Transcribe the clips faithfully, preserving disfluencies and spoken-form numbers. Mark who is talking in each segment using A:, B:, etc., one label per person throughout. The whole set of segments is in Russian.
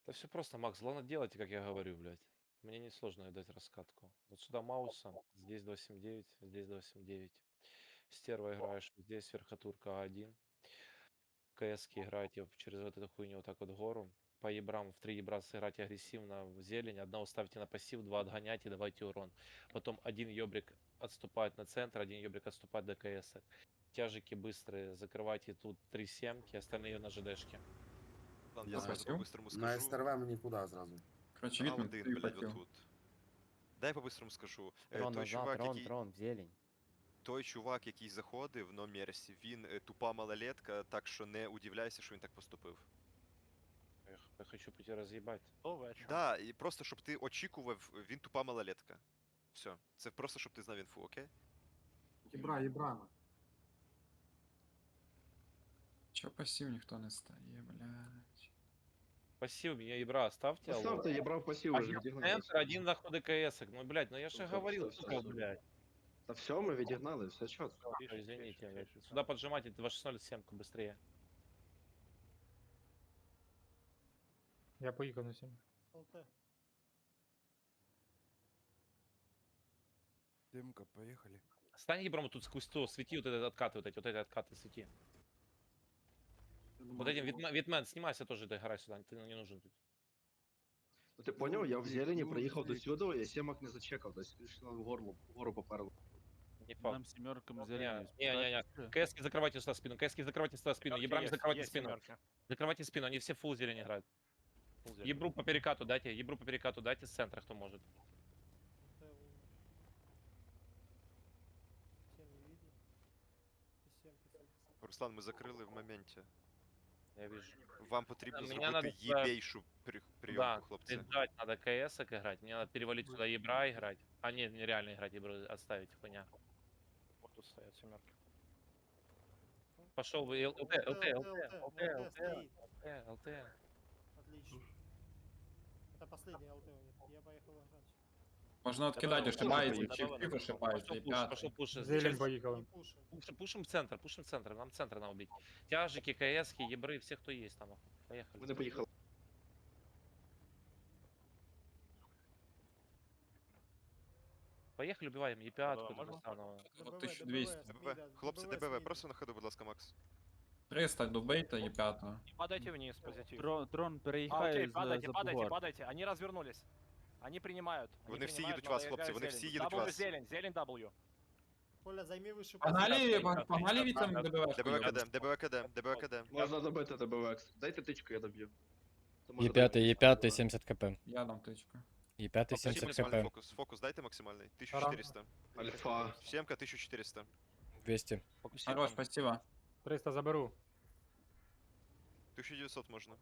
A: Да все просто, Макс. Главное делайте, как я говорю, блядь. Мне несложно дать раскатку. Вот сюда маусом, здесь два семь девять, здесь два семь девять. Стерва играешь, здесь верхотурка один. КСки играете через вот эту хуйню вот так вот в гору. По ебрам в три ебра сыграть агрессивно в зелень. Одного ставьте на пассив, два отгоняйте, давайте урон. Потом один ёбрик отступает на центр, один ёбрик отступает до КС. Тяжики быстрые, закрывайте тут три семки, остальные на ЖДшке.
B: Ладно, я
C: На,
B: сразу
D: Спасибо.
B: по-быстрому
C: на
B: скажу.
C: СТРВ никуда сразу.
D: Короче,
B: На
D: Вітмен,
B: один,
D: ти
B: блядь,
D: хотів.
B: отут. Дай по-быстрому скажу. Е,
E: Трон
B: той
E: назад,
B: чувак,
E: трон,
B: який.
E: трон, в зелень.
B: Той чувак, який заходив на Мерсі, він е, тупа малолетка, так що не удивляйся, що він так поступив.
A: Я, х- я хочу пойти разъебать.
B: Да, і просто щоб ти очікував, він тупа малолетка. Все. Це просто щоб ти знав інфу, окей?
F: Єбра, єбрана.
D: Чого пасів ніхто не стає, блядь.
A: Пассив меня ебра оставьте, алло.
G: Поставьте, я брал пассив уже,
A: Один
G: відігнали.
A: центр, один на ходы КС. Ну, блядь, ну я же
G: Ну, всё,
A: говорил,
G: всё,
A: сука,
G: всё, всё.
A: блядь.
G: Та все, ми відігнали, все чітко.
A: Ой, извините, блядь. Сюда поджимайте два шесть ноль семку быстрее.
H: Я поїхав на сім.
I: Демка, поехали.
A: Стань ебром тут сквозь то, свети вот этот откаты, вот эти, вот эти откаты свети. Вот этим Витмен, Витмен, снимайся тоже, догорай сюда, ты не нужен тут.
G: Ну ти поняв, я в зелені
I: Ну,
G: приїхав до
I: ти-
G: сюди, я сімок не зачекав, тобто пішли в горло, вгору поперло.
A: Не факт.
J: Нам семеркам
A: Не,
J: зелень.
A: не, не, не. КСки закрывайте сюда спину, КСки закрывайте сюда спину, ебрами закрывайте спину. Закрывайте спину, они все фул зелень играют. Ебру по перекату дайте, ебру по перекату дайте с центра, кто может.
B: Руслан, ми закрили в моменті.
A: Я вижу.
B: Вам потрібно
A: Мене
B: зробити
A: надо,
B: єбейшу при-
A: Да,
B: прийомку, хлопці.
A: ждать надо КС играть, мне надо перевалить сюда ебра играть. А нет, нереально играть ебру, отставить, хуйня. Вот тут стоят семерки. Пошел вы, ЛТ, ЛТ, ЛТ, ЛТ, ЛТ, ЛТ.
F: Отлично. Это последний ЛТ у них. Я поехал играть.
D: Можна откидати, ошибається,
G: Добре,
D: чи
G: добре.
D: впів ошибається,
A: Пошел
D: і
A: пуш,
D: п'ятий.
A: пошел пуш.
H: Зелень
A: Сейчас
H: поїхали.
F: Не пушим.
A: Пушим, пушим центр, пушим центр, нам центр надо убить. Тяжики, КСки, ебры, все, кто есть там. Поехали.
G: Ми не поїхали.
A: Поехали, убиваем Е5, Казахстанова.
D: От тисяча двісті.
B: ДБВ. Хлопці, ДБВ, просто на ходу, будь ласка, Макс.
D: триста добийте і п'ятого.
J: Падайте вниз, позитив.
K: Трон, трон
J: А,
K: переїхає
J: окей,
K: з-
J: падайте,
K: за
J: падайте,
K: бугор.
J: падайте. Они развернулись. Они принимают. Они
B: Вони всі
J: принимают,
B: їдуть вас,
J: но
B: хлопці, вони
J: играют
B: всі
J: зелень.
B: їдуть
J: W
B: вас.
J: зелень, зелень W.
F: Коля, займи выше
D: Погнали,
A: да,
D: погнали
A: да,
D: вітам
A: да,
D: ДБВшку.
B: ДБВ КД, ДБВ КД, ДБВ КД.
G: Можна добити ДБВекс. Дайте тичку, я доб'ю. Це може
K: Є п'ятий,
G: добити.
K: є п'ятий, сімдесят кп.
D: Я дам тичку.
K: Є п'ятий,
B: Покажи
K: сімдесят
B: максимальний
K: кп.
B: фокус. Фокус дайте максимальний. тисяча чотириста.
G: Альфа.
B: Сімка тисяча чотириста.
K: двісті.
A: Фокусируем.
D: Хорош, спасибо.
H: триста заберу.
B: тисяча дев'ятсот можна.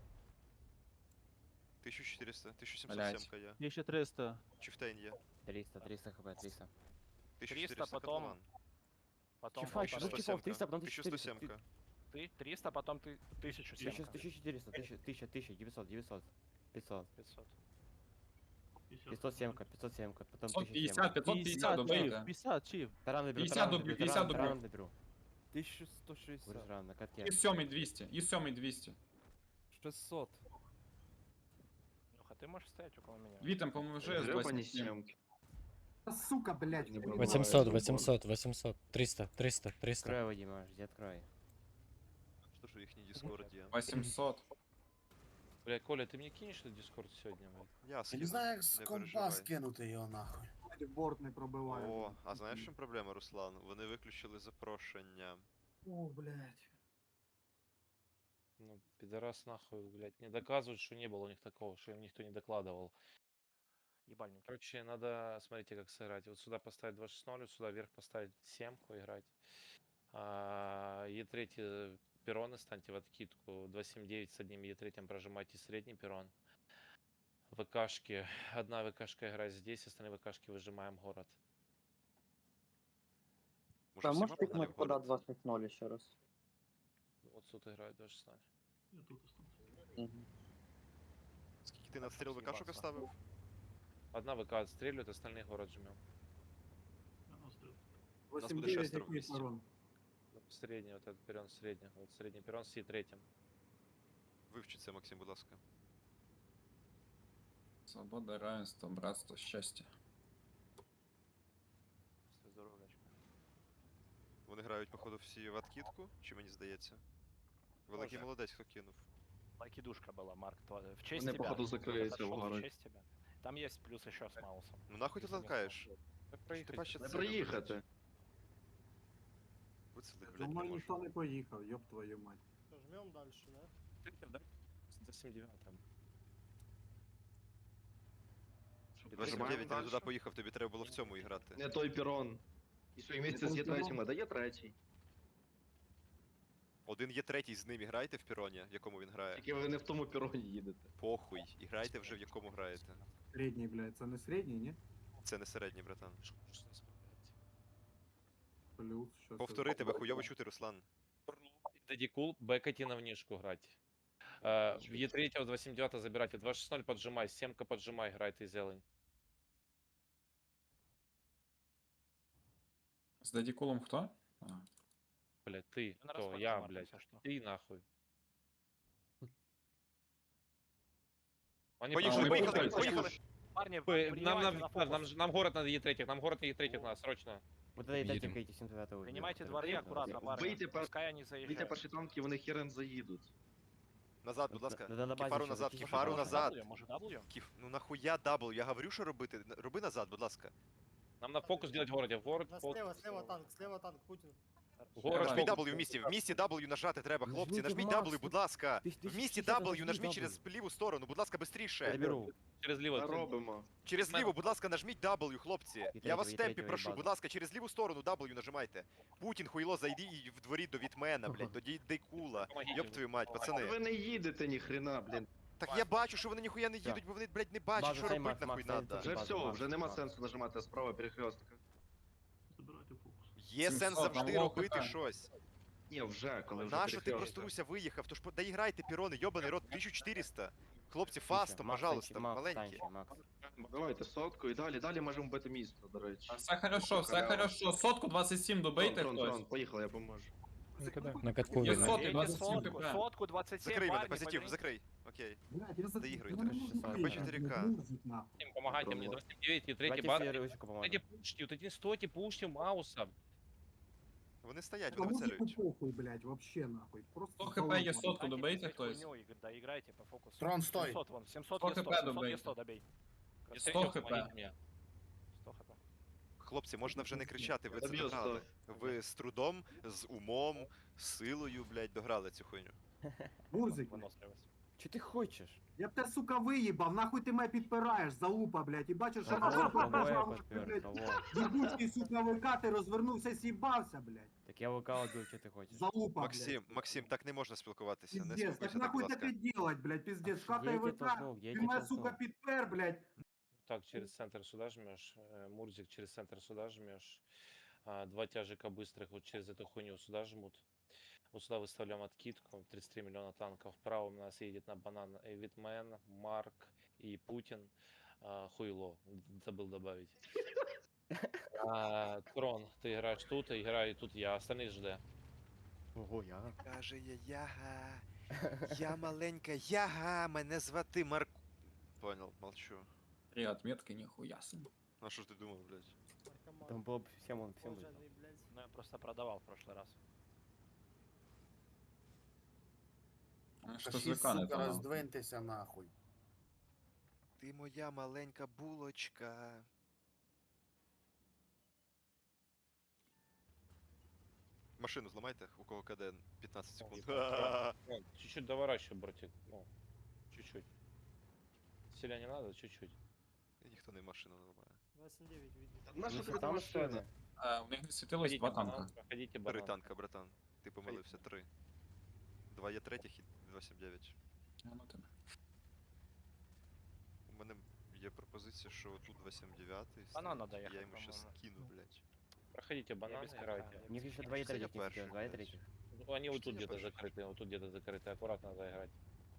B: тисяча чотириста, тисяча
D: Блядь.
B: сімсот сімка є.
K: тисяча триста.
B: Чифтейн є.
E: триста, триста хп, триста.
B: тисяча
J: триста,
B: чотириста
J: потом-
B: котлован.
J: Потом
E: Чифа,
J: тысяча
E: чифа,
J: сто
E: чифа, триста, потом
B: тисяча
E: тысяча
B: сто
E: четыреста.
B: сімка.
J: Ты триста, потом ты тысячу
E: Тысяча,
J: семка.
E: тысяча четыреста, тысяча, тысяча, тысяча, девятьсот, девятьсот, пятьсот,
J: пятьсот.
E: пятьсот семка, пятьсот семка, потом
D: пятьсот
E: тысяча
D: пятьдесят,
E: семка.
D: пятьсот пятьдесят добийте.
K: пятьдесят, чиф.
E: Таран доберу,
D: пятьдесят
E: таран
D: добью,
E: доберу,
D: пятьдесят
E: таран,
D: добью.
E: таран доберу.
K: тисяча сто шістдесят.
E: Будешь рано, на катке.
D: І сьомий двісті, і сьомий двісті.
K: шістсот.
J: Леха, ты можешь стоять около меня?
D: Вітам поможи з
G: Гребані
D: двадцять сім.
G: сімки.
F: Сука, блядь.
G: Не було.
K: вісімсот, вісімсот, вісімсот. триста, триста, триста.
E: Открой его, Дима, жди, открой.
B: Що ж у їхній Discord є?
D: вісімсот.
A: Бля, Коля, ты мне кинешь на Дискорд сегодня, блядь?
B: Я
C: Я
B: скину,
C: не знаю, як з
B: не
C: компа
B: переживай.
C: скинути його нахуй.
F: Борт не пробиває.
B: О, а знаєш, в чому проблема, Руслан? Вони виключили запрошення.
F: О, блядь.
A: Ну, пидорас нахуй, блядь, не доказывают, что не было у них такого, что им никто не докладывал.
J: Ебальник.
A: Короче, надо, смотрите, как сыграть. Вот сюда поставить два шесть ноль, вот сюда вверх поставить семку играть. А, Е3 перроны станьте в откидку. два семь девять с одним Е3 прожимайте средний перрон. ВКшки. Одна ВКшка играет здесь, остальные ВКшки выжимаем город.
B: Може,
L: А
B: всіма
L: можешь
B: погнали
L: пикнуть
B: в
L: куда
B: город?
L: два шесть ноль еще раз?
A: Вот тут играет два шесть ноль.
L: Мгм.
B: Скільки ти надстріл ВКшок оставив?
A: Одна ВК отстреливает, остальные город жмем.
B: буде
F: восемь девять
B: шестеро
F: який
B: вместе.
F: ворон.
A: Средний, вот этот перрон средний. Вот средний перрон с Е3.
B: Вивчи це, Максим, будь ласка.
D: Свобода, равенство, братство, счастье.
J: Все здоровлячка.
B: Вони грають, походу, всі в откидку, чи мені здається? Великий
J: Може.
B: молодець, хто кинув.
J: Лайкидушка была, Марк. тва- В честь
G: Вони,
J: тебя.
G: походу,
J: Вот
G: закриються
J: отошёл в
G: вгору.
J: честь тебя. Там есть плюс еще с Маусом.
B: Ну нахуй ти
J: Если не
B: ланкаєш?
J: смотреть.
A: Так
B: Ти
A: проїхати.
B: бачиш,
G: Не
B: це
G: проїхати.
B: Вицелить,
C: За
B: блядь, не
C: мною ніхто
B: можу.
C: не поїхав, ёб твою мать.
F: Что, жмем дальше, да?
A: За сім дев'ять там.
B: двадцять
G: Нажимаємо
B: дев'ять, ти не туди
G: дальше?
B: поїхав, тобі треба було в цьому і грати.
G: Не той пірон. І що, і місце з є третім, а де є третій?
B: Один є третій, з ним і грайте в піроні, в якому він грає.
G: Тільки ви не в тому піроні їдете.
B: Похуй, і грайте вже в якому граєте.
C: Середній, блядь, це не середній, ні?
B: Це не середній, братан.
C: Плюс, що
B: Повтори, тебе хуйово чути, Руслан.
A: Дедикул, бэкати на внешку грать. Э, В Е три два семь девять забирайте. два шесть ноль поджимай, семка поджимай, играй ты зелень.
D: С Дадикулом кто? А,
A: Блядь, ты,
J: Я на
A: кто?
J: расхват
A: Я,
J: Марка,
A: блядь.
J: если что.
A: Ты нахуй. Они
B: Поїхали,
D: ми
B: поїхали,
D: пухаємо,
B: поїхали!
J: Парни,
A: П- Нам,
J: принимайте
A: нам,
J: на
A: нам,
J: фокус.
A: нам, ж- нам город надо Е три, нам город на Е три надо, срочно.
E: Вот это и
D: Едем.
E: дайте эти семь девятого убьют.
J: Принимайте
E: Это
J: дворы
E: правильно?
J: аккуратно, парни.
G: Выйти по-
J: Пускай они
G: Вийте
J: заезжают.
G: перші танки, вони херен заїдуть.
B: Назад, будь ласка.
E: Надо на базе
B: Кефару
E: ще
B: назад,
E: закинути.
B: кефару
J: Может,
B: назад.
J: W? Может, W?
B: Кіф, ну нахуя дабл? Я говорю, що робити. Н- Роби назад, будь ласка.
A: Нам на фокус делать в городе. В город,
F: Да,
A: фокус.
F: слева, слева танк, слева танк, Путин.
A: В город,
B: Нажміть
A: фокус.
B: W в місті, в місті W нажати треба, хлопці.
E: Нажміть
B: Нажміть
E: Макс,
B: W,
E: ти-
B: будь ласка.
E: ти- ти
B: В місті
E: шістдесят,
B: W
E: нажми
B: нажміть
E: W.
B: через ліву сторону, будь ласка,
E: Я
B: бистріше.
E: беру.
A: Через лево.
G: Робимо.
B: Через
A: Мене.
B: ліву, будь ласка, нажміть W, хлопці. Я
E: третього,
B: вас в
E: і
B: темпі
E: третього, і
B: прошу,
E: базу.
B: будь ласка, через ліву сторону W нажимайте. Путін, хуйло, зайди і в дворі до Вітмена, блядь, до Дей- Дейкула.
A: Помогите.
B: Йоп твою мать, пацани.
G: Ви не їдете ніхрена, блін.
B: Так я бачу, що вони ніхуя не їдуть, бо вони, блядь, не бачать,
E: База
B: що
E: цей
B: робити
E: Макс,
B: нахуй
E: Макс,
B: надо.
E: цей
G: Вже
E: базу,
G: все,
E: Макс,
G: вже нема
E: Макс.
G: сенсу нажимати справа перехрестка.
B: Є сенс
D: сімсот, там
B: завжди
D: лоу
B: робити
D: хп.
B: щось.
G: Ні, вже, коли вже
B: Нащо ти
G: перехресток.
B: просто Руся виїхав? Тож по- доіграйте пірони, йобаний рот, тисяча чотириста. Хлопці, фастом,
E: Макс,
B: пожалуйста,
E: танчи, Макс,
B: маленькі.
E: танчи, Макс.
G: Давайте сотку і далі, далі можемо бити місто, до речі.
D: А все хорошо, все
G: Халява.
D: хорошо. Сотку двадцять сім добийте
G: Трон, трон,
D: хтось.
G: трон, поїхали, я поможу.
K: На катку
D: Є
K: видно.
D: сотки,
J: Бейте
D: двадцять сім
J: сотку,
D: хп.
J: сотку, двадцать семь,
B: Закрий мене,
J: парни,
B: позитив,
J: поднимите.
B: закрий. Окей.
C: Блядь, я за...
B: Доігруйте.
C: я не можу
E: Хп
C: виїхати,
B: чотири ка.
C: блядь, мурзик, нахуй.
A: Им помогайте мне. два семь девять, Е три,
E: Давайте
A: бар.
E: все Русику
A: Стойте,
E: поможем.
A: пушьте, вот эти стойте, пушьте Мауса.
B: Вони стоять,
C: Та
B: вони
C: музику
B: вицелюють.
C: похуй, блядь, вообще нахуй. Просто
D: сто хп
C: залупа.
D: є сотку,
J: Дайте
D: добийте
J: писать
D: хтось.
J: хуйню, Игорь, да, играйте по фокусу.
C: Трон, стой.
J: семьсот вон, семьсот
D: сто
J: Е сто,
D: хп
J: семьсот Е
D: добейте.
J: сто добей.
A: Е
D: сто
A: три,
D: хп.
A: помогите мне.
J: сто хп.
B: Хлопці, можна вже не кричати, ви це
G: Доб'ю
B: дограли.
G: сто.
B: Ви з трудом, з умом, з силою, блядь, дограли цю хуйню.
C: Мурзик, блядь.
J: Выносливость.
E: Че ты хочешь?
C: Я б тебе, сука, виїбав, нахуй ти мене підпираєш, залупа, блядь, і бачиш, що
E: Кого,
C: на
E: кого я
C: блядь,
E: подпер, кого?
C: єбучий, сука, ВК, ти розвернувся, с'їбався, блядь.
E: Так я ВК убил, что ты хочешь?
C: Залупа,
B: Максим,
C: блядь.
B: Максим, так не можна спілкуватися, не
C: Пиздец, так
B: спілкуйся так,
C: нахуй
B: будь
C: таке
B: ласка.
C: делать, блядь, пиздец,
E: Я
C: шкатай
E: тебе
C: ВК,
E: толкнул, я
C: ти
E: тебе
C: мене, сука,
E: толкнул.
C: підпер, блядь.
A: Так, через центр сюда жмешь. э, Мурзик через центр сюда жмешь. А, Два тяжика быстрых вот через эту хуйню сюда жмут. Вот сюда выставляем откидку. тридцать три миллиона танков. Вправо у нас едет на банан и Витмен, Марк и Путин. А, Хуйло. Забыл добавить. А, Трон, ты играешь тут, и играю тут я. Остальные жд.
E: Ого, я.
B: Каже я яга, я маленька яга, мене звати Марку. Понял, молчу.
D: Три отметки, нихуя себе.
B: А що ж ти думав, блядь?
F: Наркоман.
E: Там было бы всем он всем выиграл.
F: Волжанный, блядь.
J: Ну, я просто продавал в прошлый раз.
D: А Что
C: Та
D: с
C: шість,
D: ВК не
C: сука,
D: там?
C: роздвиньтеся, нахуй.
B: Ти моя маленька булочка. Машину зламайте, у кого КД п'ятнадцять секунд.
A: Ну, чуть-чуть доворачивай, братик. Ну, чуть-чуть. Сильно не надо, чуть-чуть.
B: І ніхто не машину не ламає.
F: два семь девять видно.
G: Наша
E: Ну,
G: тобі
E: там что
G: машина?
E: ли?
D: А, у них не світилось два танка.
A: банан, проходите
B: Три
A: банан.
B: танка, братан. Ти помилився, три. Два є третіх і два сім дев'ять.
D: А, ну тебе.
B: У мене є пропозиція, що тут два сім дев'ять.
J: Банан надо
B: Я
J: ехать,
B: йому щас
J: по-моему.
B: скину, блядь.
A: Проходите банан,
J: без
A: играйте.
J: КД.
E: У них еще два и
B: Что я
E: третьих не
B: перший,
E: сидел, два и
B: блядь?
E: третьих.
A: Ну, они вот
B: Что
A: тут
B: я
A: где-то
B: большой?
A: закрыты, вот тут где-то закрыты. Аккуратно надо играть.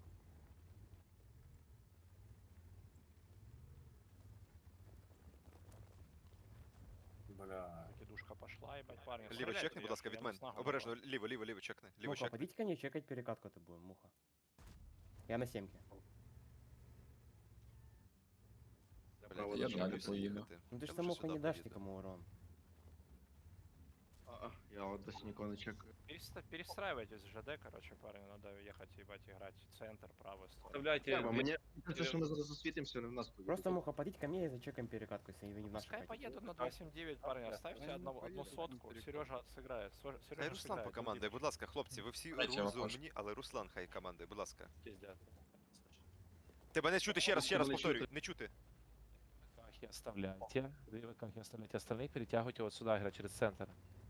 C: Бля.
J: Кидушка пошла, ебать, парни.
B: Ліво
J: стреляйте,
B: чекни, будь
J: я-
B: ласка,
J: я
B: Вітмен.
J: на снагу
B: Обережно,
J: напал.
B: ліво, ліво, ліво чекни. Ліво
E: Муха,
B: чекни.
E: подите ко мне чекать перекатку это будем, Муха. Я на семке.
G: Право
B: я
G: даже
B: не
D: далі
B: люблю
D: поїду.
B: їхати.
E: Ну ты
B: Я
E: же самому
B: лучше
E: не
B: сюди
E: дашь
B: поїду.
E: никому урон.
G: А, а, я вот до синяков не чекаю.
J: Переста- Перестраивайтесь в ЖД, короче, парни, надо ехать, ебать, играть. Центр, правую сторону.
A: Оставляйте.
G: Треба,
A: две-
G: мені кажется, що ми зараз засвітимося, вони в нас поїдуть.
E: Просто муха, подите ко мне и зачекаем перекатку, если вы не в нашей
J: Пускай
E: хате.
J: поедут на два семь девять, парни, оставьте
I: Они
J: одного, одну
I: поедут на
J: сотку.
I: перекат.
J: Сережа сыграет. Сво-
B: Хай
J: Сережа
B: Руслан
J: сыграет,
B: покомандує,
J: Дмитрич.
B: будь ласка, хлопці, ви всі
D: Дайте я виходжу.
B: розумні, але Руслан хай командує, будь ласка.
A: Пиздят.
B: Тебе не чути, ще раз, ще раз
G: Не
B: повторюю,
G: чути.
B: не чути.
A: Выкахи оставляйте. Две выкахи оставляйте. Остальных перетягивайте вот сюда, играть через центр.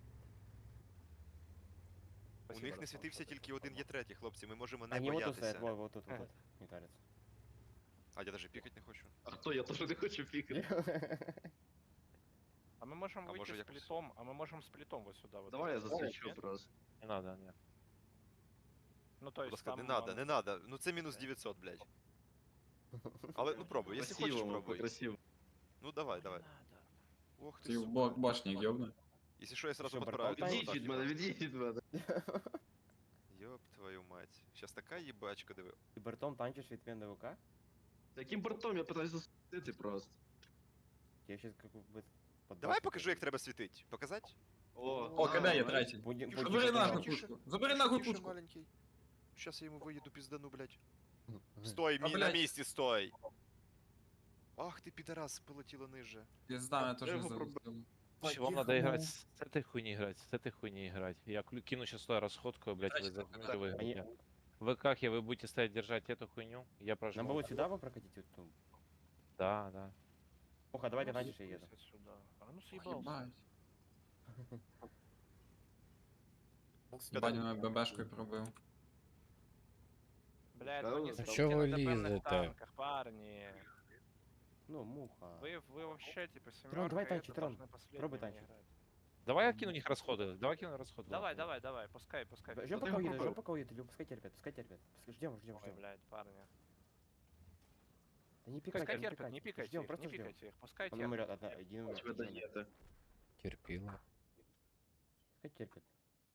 B: У
J: Спасибо,
B: них не
J: Руслан,
B: світився
J: что
B: тільки один є третій, хлопці, ми можемо не
E: Они вот тут стоят,
B: боятися.
E: вот, вот тут, вот тут, мне кажется.
B: А я навіть пікати не хочу.
G: А хто? Я теж не хочу пікати.
J: А мы можем
B: А
J: выйти
B: может,
J: с
B: я-
J: плитом, а мы можем с плитом вот сюда. Вот
G: Давай я
J: вот.
G: засвічу
J: Нет?
G: просто.
A: Не надо, нет.
J: Ну, то
B: Будь
J: есть
B: ласка,
J: там...
B: не надо,
J: а,
B: не надо. Ну це мінус дев'ятсот, блядь. Але ну пробуй, якщо хочеш,
G: Красиво,
B: пробуй.
G: красиво.
B: Ну давай,
J: не
B: давай.
J: надо.
B: Ох ти,
D: Ти в
B: сука.
D: бок башник ёбну.
B: Якщо що, я сразу
E: Що,
B: подправлю.
E: братан,
G: Відійдь від мене, відійдь від мене.
B: Ёб твою мать. Сейчас така їбачка, диви.
E: И бортом танчишь ведь на ВК?
G: Таким бортом я питаюся засвітити просто.
E: Я сейчас как бы... под
B: Давай
E: башню
B: покажу, як
E: пойду.
B: треба світить. Показать?
G: О,
D: О, КД є
G: а,
D: третій.
E: Будем,
B: Тише,
E: будем
D: Забери
B: тише,
D: нахуй
B: тише.
D: пушку. Забери нахуй
B: Тише,
D: пушку.
B: маленький. Сейчас я йому виїду піздану, блядь.
E: Мгм.
B: Стой,
D: А,
B: мі, на
D: блядь.
B: місці, стой! Ах ти, підарас, полетіло ниже.
D: Пизда, я тоже
G: Его
D: забыл.
A: Короче, вам надо играть с этой хуйни играть, с этой хуйни играть. Я клю- кину сейчас туда расходку, блядь, вы
D: Здрасте,
A: займете, вы
E: Они-
A: играете. В ВК вы будете стоять держать эту хуйню, я
E: Нам
A: прожму.
E: бы вот сюда бы прокатить вот ту.
A: Да, да.
E: Муха, давай ты
J: Ну,
E: танчишь, я еду.
J: съебался сюда. А ну съебался.
D: Ебать. Ебать, мене ББшкою пробив.
J: Блядь,
G: Да,
J: вы
G: ну,
J: не
G: а
J: сидите
K: чё вы
J: на ДПМных
K: лезете?
J: танках, парни.
E: Ну, муха.
J: Вы, вы вообще, типа, семерка,
E: Трон, давай
J: это
E: танчи, Трон.
J: должны последними
E: Пробуй танчить.
J: играть.
A: Давай я кину у них расходы, давай кину расходы.
J: Давай, давай, давай, пускай, пускай.
E: Ждем
G: ты
E: пока
G: его
E: уедет,
G: пробил?
E: ждем пока уедет, Илью, пускайте, ребят, пускайте, ребят. Ждем, ждем,
J: Ой,
E: ждем.
J: блядь, парни.
E: Да не
J: Пускай
E: пикайте, не
J: терпят, не
E: пикайте.
J: пикайте
E: Ждем,
J: их,
E: просто
J: не
E: ждем.
J: пикайте их, пускай
E: Он
J: терпят.
E: умрет, одна, один умрет.
G: Тебе
E: один умрет.
G: даєте.
K: Терпила.
E: Пускай терпит.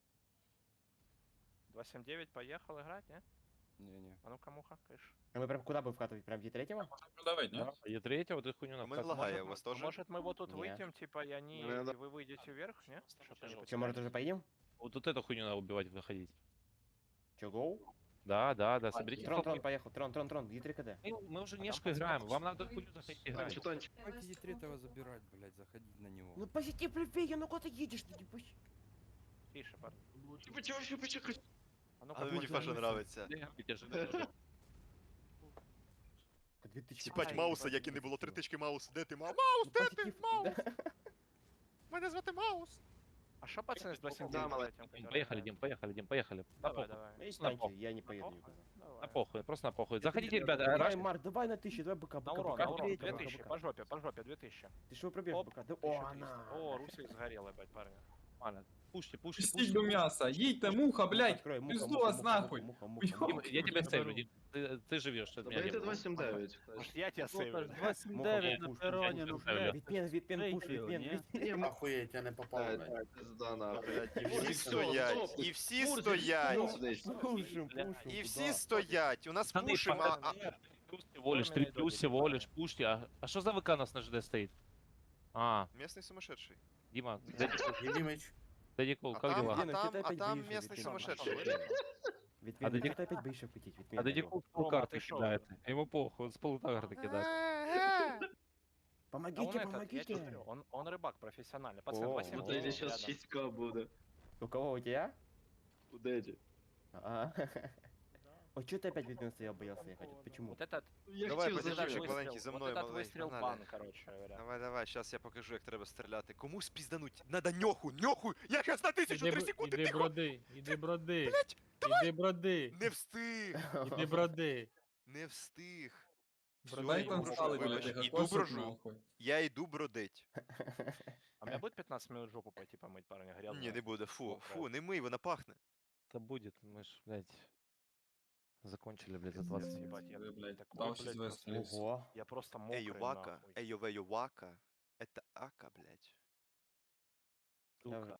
J: два семь девять поехал играть, не?
K: Не-не.
J: А ну-ка, муха, кыш.
E: А мы прям куда бы вкатывать? Прям в третьего?
D: Продавить, ні?
A: Да, е третьего, вот эту хуйню
B: У
A: надо
B: мене
A: так-
B: лагає,
J: Может,
B: у
J: мы-
B: вас
J: а
B: теж?
J: может мы вот тут
E: Не.
J: выйдем, типа, и они,
G: Ну, да.
J: и вы выйдете вверх, не? Что-то не
E: Че, может уже поедем?
A: Вот, вот эту хуйню надо убивать, выходить.
E: Че, гоу?
A: Да, да, да, соберите
E: Трон,
A: толпу.
E: Трон, поехал, Трон, Трон, Трон, Е три КД.
A: Мы, мы уже нешку играем, вам надо хуйню заходить играть.
G: Танчу, танчу.
I: Давайте третьего забирать, блядь, заходить на него.
E: Ну посети плевея, ну куда ты едешь? Ты не пусть.
J: Тише, парни.
G: Почему, почему, почему?
J: А ну-ка,
B: А мені
J: Трон,
B: Паша
J: Трон.
B: нравиться.
E: Две тысячи.
B: Сіпать
J: Ай,
B: Мауса,
J: ебать,
B: як і не
J: ебать,
B: було три
J: ебать.
B: тички Маус. Де ти, Маус? Маус, де ти? Маус?
E: Да.
B: Мене звати Маус.
J: А что пацаны с два семь
G: Да,
J: девять?
G: молодец.
J: этим, которые
A: Поехали,
J: играют?
A: Дим, поехали, Дим, поехали. На
J: Давай,
A: похуй,
J: давай.
E: Ну,
A: на
E: станьте,
A: похуй,
E: я не поеду
J: Похуй?
E: никуда.
J: Давай.
A: на похуй, просто на похуй. Заходите, ребята,
E: Давай,
A: раш...
E: Марк, давай на тысячу, давай быка,
J: На
E: быка,
J: урон,
E: быка,
J: на урон,
E: быка,
J: две
E: быка,
J: тысячи,
E: быка.
J: по жопе, по жопе, две тысячи.
E: Ты что пробежь,
J: Оп,
E: быка? Да,
J: тысяча
E: о,
J: триста.
E: на.
J: О, Русик сгорел, ебать, парни.
A: Нормально. Пушьте, пушьте,
D: Пустіть
A: пушьте.
D: до м'яса, їдьте, муха, блядь.
E: Открой, муха,
D: Пизду
E: муха,
D: вас
E: муха,
D: нахуй.
E: муха, муха,
D: Дим,
E: муха.
A: Дим, я тебя сейвлю, Дим. Ты, ты живешь, от меня
G: Дайте
A: Дим.
G: два сім дев'ять.
J: Может, я тебя сейвлю?
F: два семь
E: Муха,
F: девять
E: муха,
F: на
E: пуш,
F: перроне, ну,
A: пуш, пуш,
F: блядь.
E: Витпен, Витпен, пуш,
F: Третьего,
E: Витпен,
F: не?
E: Витпен.
C: Охуєть, я не попав, блядь.
G: Пизда нахуй.
B: Блядь, і всі
G: Мурзик,
B: стоять,
G: стоп,
B: і всі
G: Мурзик,
B: стоять,
G: стоп десь.
E: Пушим, пушим.
B: і всі
E: куда?
B: стоять. У нас
A: Пацаны,
B: пушим, а... а-
A: пацаны, плюс всего лишь, три
J: Форменный
A: плюс
J: домик,
A: всего
J: правильно.
A: лишь, пушьте. А, а что за ВК нас на ЖД стоит? А,
B: Местный сумасшедший.
A: Дима, Дэдди-
C: Дімич.
A: Дэдди Кул,
B: А
A: как
B: там,
A: дела?
B: а
E: Витпен,
B: там,
E: что ты
B: а
E: опять
B: там
E: боишься,
B: местный
E: Витпен?
B: сумасшедший.
E: Витпен,
A: А
E: ты
A: Дадик-
E: что опять боишься вкатить?
A: А
E: Витпен,
A: Дэдди
E: алло.
A: Кул
J: Рома,
A: карты
J: ты шо?
A: кидает. Ему похуй, он с полутарта кидает.
J: Да
E: Помогите,
J: он этот, я тебе
E: помогите.
J: говорю, он, он рыбак профессиональный. Пацан,
E: О,
J: два семь
E: вот
G: Вот эти
J: девять
G: сейчас
J: рядом.
G: шесть к буде.
E: У кого, у тебя?
G: У Дэдди.
E: А. Ой, что ты опять Витпен стоял, боялся ехать? Вот почему?
J: Вот этот,
G: Я
B: Давай,
G: хотів
B: подержи,
J: вот этот
G: зажечь.
B: Чек, маленький,
J: выстрел,
B: за
J: вот
B: мною,
J: этот
B: малий,
J: выстрел
B: погнали.
J: бан, короче говоря.
B: Давай, давай, сейчас я покажу, як треба стріляти. Кому спіздануть? Надо ньоху, ньоху! Я щас на тисячу,
H: Іди,
B: три
H: б-
B: секунди,
H: іди
B: тихо!
H: броди, іди броди,
B: Блять,
H: іди броди,
B: не встиг,
H: іди броди.
B: не встиг.
D: Дай
B: Всё,
D: там
B: іду,
D: стали,
B: вибач,
D: блядь,
B: іду
D: косить
B: брожу.
D: нахуй.
B: Я йду бродить.
J: А у меня будет пятнадцать минут жопу пойти помыть, парня, грязно.
B: Ні, не буде, фу,
J: Мокро.
B: фу, не мий, вона пахне.
A: Это будет, мы ж, блядь, закончили, блядь, за двадцать минут.
J: Ебать, я
D: Ви, блядь,
J: такой,
D: дав
J: блядь,
D: щось
J: просто-
D: вистрілити.
E: Ого.
J: Я просто мокрый,
B: Ейовака,
J: нахуй.
B: ейовейовака. Это ака, блядь.
E: Я
A: Сука.
E: уже